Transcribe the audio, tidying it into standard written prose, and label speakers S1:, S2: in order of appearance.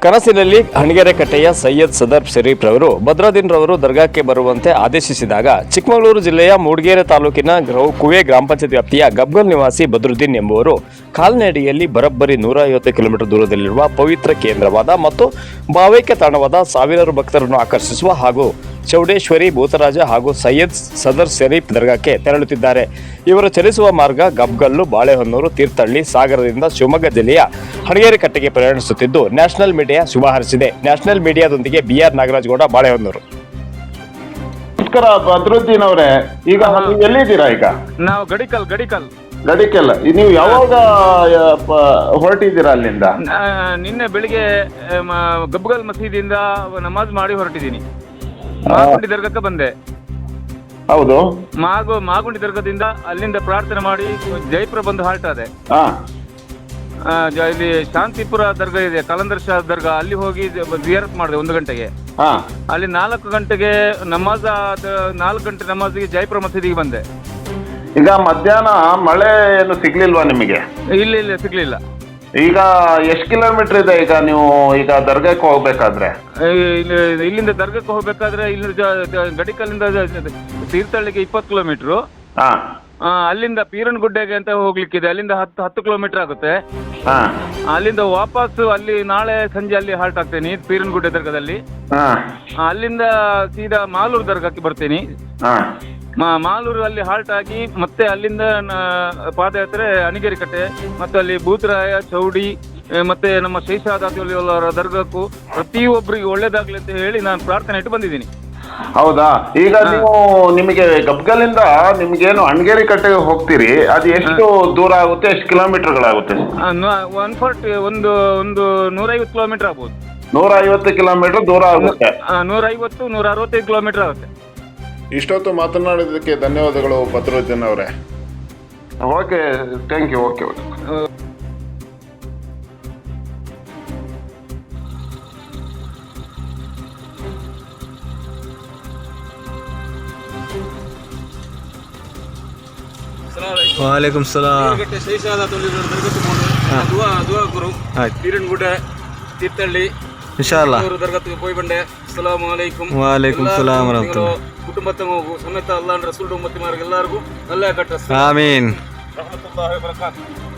S1: ಕನಸಿನಲ್ಲಿ ಹಣಗೆರೆಕಟ್ಟೆಯ ಸೈಯದ್ ಸದರ್ ಶರೀಫ್ ರವರು ಭದ್ರಾದಿನ್ ರವರು ದರ್ಗಾಕ್ಕೆ ಬರುವಂತೆ ಆದೇಶಿಸಿದಾಗ ಚಿಕ್ಕಮಗಳೂರು ಜಿಲ್ಲೆಯ ಮೂಡಿಗೆರೆ ತಾಲೂಕಿನ ಕುವೆ ಗ್ರಾಮ ಪಂಚಾಯತ್ ವ್ಯಾಪ್ತಿಯ ಗಬ್ಗಲ್ ನಿವಾಸಿ ಬದ್ರುದ್ದೀನ್ ಎಂಬುವರು ಕಾಲ್ನಡಿಗೆಯಲ್ಲಿ ಬರೋಬ್ಬರಿ 150 ಕಿಲೋಮೀಟರ್ ದೂರದಲ್ಲಿರುವ ಪವಿತ್ರ ಕೇಂದ್ರವಾದ ಮತ್ತು ಭಾವೈಕ್ಯ ತಾಣವಾದ ಸಾವಿರಾರು ಭಕ್ತರನ್ನು ಆಕರ್ಷಿಸುವ ಹಾಗೂ ಚೌಡೇಶ್ವರಿ ಭೂತರಾಜ ಹಾಗೂ ಸೈಯದ್ ಸದರ್ ಶರೀಫ್ ದರ್ಗಾಕ್ಕೆ ತೆರಳುತ್ತಿದ್ದಾರೆ. ಇವರು ಚಲಿಸುವ ಮಾರ್ಗ ಗಬ್ಗಲ್ಲು, ಬಾಳೆಹೊನ್ನೂರು, ತೀರ್ಥಹಳ್ಳಿ, ಸಾಗರದಿಂದ ಶಿವಮೊಗ್ಗ ಜಿಲ್ಲೆಯ ಹಣಗೆರೆಕಟ್ಟೆಗೆ ಪ್ರಯಾಣಿಸುತ್ತಿದ್ದು ನ್ಯಾಷನಲ್ ಮೀಡಿಯಾ ಶುಭ ಹಾರೈಸಿದೆ. ನ್ಯಾಷನಲ್ ಮೀಡಿಯಾದೊಂದಿಗೆ BR ನಾಗರಾಜಗೌಡ, ಬಾಳೆಹೊನ್ನೂರು.
S2: ನಮಸ್ಕಾರ ಬದ್ರುದ್ದೀನ್ ಅವರೇ, ಈಗ ನೀವು ಎಲ್ಲಿದ್ದೀರಾ? ಈಗ
S3: ನಾವು ಗಡಿಕಲ್
S2: ಗಡಿಕೆಲ್ಲ ನೀವು ಯಾವಾಗ ಹೊರಟಿದ್ದೀರಾ ಅಲ್ಲಿಂದ?
S3: ನಿನ್ನೆ ಬೆಳಿಗ್ಗೆ ಗಬ್ಗಲ್ ಮಸೀದಿಯಿಂದ ನಮಾಜ್ ಮಾಡಿ ಹೊರಟಿದ್ದೀನಿ. ಮಾಗುಂಡಿ ದರ್ಗಕ್ಕೆ ಬಂದೆ.
S2: ಹೌದು,
S3: ಮಾಗುಂಡಿ ದರ್ಗದಿಂದ ಅಲ್ಲಿಂದ ಪ್ರಾರ್ಥನೆ ಮಾಡಿ ಜೈಪುರ ಬಂದು ಹಾಲ್ಟ್ ಆದೆ. ಇಲ್ಲಿ ಶಾಂತಿಪುರ ದರ್ಗಾ ಇದೆ, ಕಲಂದರ್ ಶಾ ದರ್ಗಾ, ಅಲ್ಲಿ ಹೋಗಿ ಜಿಯಾರತ್ ಮಾಡಿದೆ 1 ಗಂಟೆಗೆ. ಅಲ್ಲಿ 4 ಗಂಟೆಗೆ ನಮಾಜ್, 4 ಗಂಟೆ ನಮಾಜಿಗೆ ಜೈಪುರ ಮಸೀದಿಗೆ ಬಂದೆ.
S2: ಈಗ ಮಧ್ಯಾಹ್ನ ಮಳೆ ಏನು ಸಿಗ್ಲಿಲ್ವಾ ನಿಮಗೆ?
S3: ಇಲ್ಲ ಸಿಗ್ಲಿಲ್ಲ.
S2: ಈಗ ಎಷ್ಟು ಕಿಲೋಮೀಟರ್ ಇದೆ ಈಗ ನೀವು ಈಗ ದರ್ಗಾಕ್ಕೆ ಹೋಗ್ಬೇಕಾದ್ರೆ?
S3: ಇಲ್ಲಿಂದ ದರ್ಗಕ್ಕೆ ಹೋಗ್ಬೇಕಾದ್ರೆ ಇಲ್ಲಿ ಗಡಿಕಲ್ಲಿಂದ ತೀರ್ಥಹಳ್ಳಿಗೆ 20 ಕಿಲೋಮೀಟ್ರು. ಅಲ್ಲಿಂದ ಪೀರನಗುಡ್ಡೆಗೆ ಅಂತ ಹೋಗ್ಲಿಕ್ಕಿದೆ, ಅಲ್ಲಿಂದ 10 ಕಿಲೋಮೀಟರ್ ಆಗುತ್ತೆ. ಅಲ್ಲಿಂದ ವಾಪಸ್ ಅಲ್ಲಿ ನಾಳೆ ಸಂಜೆ ಅಲ್ಲಿ ಹಾಲ್ಟ್ ಆಗ್ತೇನೆ ಪೀರನಗುಡ್ಡೆ ದರ್ಗದಲ್ಲಿ. ಅಲ್ಲಿಂದ ಸೀದಾ ಮಾಲೂರು ದರ್ಗಕ್ಕೆ ಬರ್ತೀನಿ. ಮಾಲೂರು ಅಲ್ಲಿ ಹಾಲ್ಟ್ ಆಗಿ ಮತ್ತೆ ಅಲ್ಲಿಂದ ಪಾದಯಾತ್ರೆ ಹಣಗೆರೆಕಟ್ಟೆ, ಮತ್ತೆ ಅಲ್ಲಿ ಭೂತರಾಯ, ಚೌಡಿ, ಮತ್ತೆ ನಮ್ಮ ಶೇಷಾದಾತಿಯವರ ದರ್ಗಕ್ಕೂ ಪ್ರತಿಯೊಬ್ಬರಿಗೆ ಒಳ್ಳೇದಾಗ್ಲಿ ಅಂತ ಹೇಳಿ ನಾನು ಪ್ರಾರ್ಥನೆ ಇಟ್ಟು ಬಂದಿದ್ದೀನಿ.
S2: ಹೌದಾ? ಈಗ ನೀವು ನಿಮಗೆ ಗಬ್ಗಲಿಂದ ನಿಮ್ಗೇನು ಹಣಗೆರೆಕಟ್ಟೆಗೆ ಹೋಗ್ತೀರಿ, ಅದು ಎಷ್ಟು ದೂರ ಆಗುತ್ತೆ, ಎಷ್ಟು ಕಿಲೋಮೀಟರ್ಗಳಾಗುತ್ತೆ?
S3: 150 ಕಿಲೋಮೀಟರ್ ಆಗ್ಬೋದು.
S2: 150 ಕಿಲೋಮೀಟರ್ ದೂರ ಆಗುತ್ತೆ.
S3: 150-165 ಕಿಲೋಮೀಟರ್ ಆಗುತ್ತೆ.
S4: ಇಷ್ಟೊತ್ತು ಮಾತನಾಡಿದ್ದಕ್ಕೆ ಧನ್ಯವಾದಗಳು ಬದ್ರುದ್ದೀನ್ ಅವರೇ.
S2: Okay, thank you. ಓಕೆ.
S5: वालेकुम सलाम.
S3: ಪೀರನಗುಡ್ಡೆ, ತೀರ್ಥಹಳ್ಳಿ,
S5: इंशाल्लाह.
S3: ದರ್ಗಕ್ಕೆ ಹೋಗಿ ಬಂದೆ. ಅಸ್ಸಲಾಮು ಅಲೈಕುಂ.
S5: वालेकुम सलाम रहमतुल्लाह.
S3: ಕುಟುಂಬದ ಸಮೇತ ಅಲ್ಲಾಹ್ ರಸೂಲ್ ಉಮ್ಮತಿ ಮಾರ್ಗ ಎಲ್ಲರಿಗೂ ಅಲ್ಲಾಹ್ ಕಟ್ಟ.
S5: ಆಮೀನ್.
S3: ರಹಮತುಲ್ಲಾಹಿ ವ ಬರಕಾತುಹು.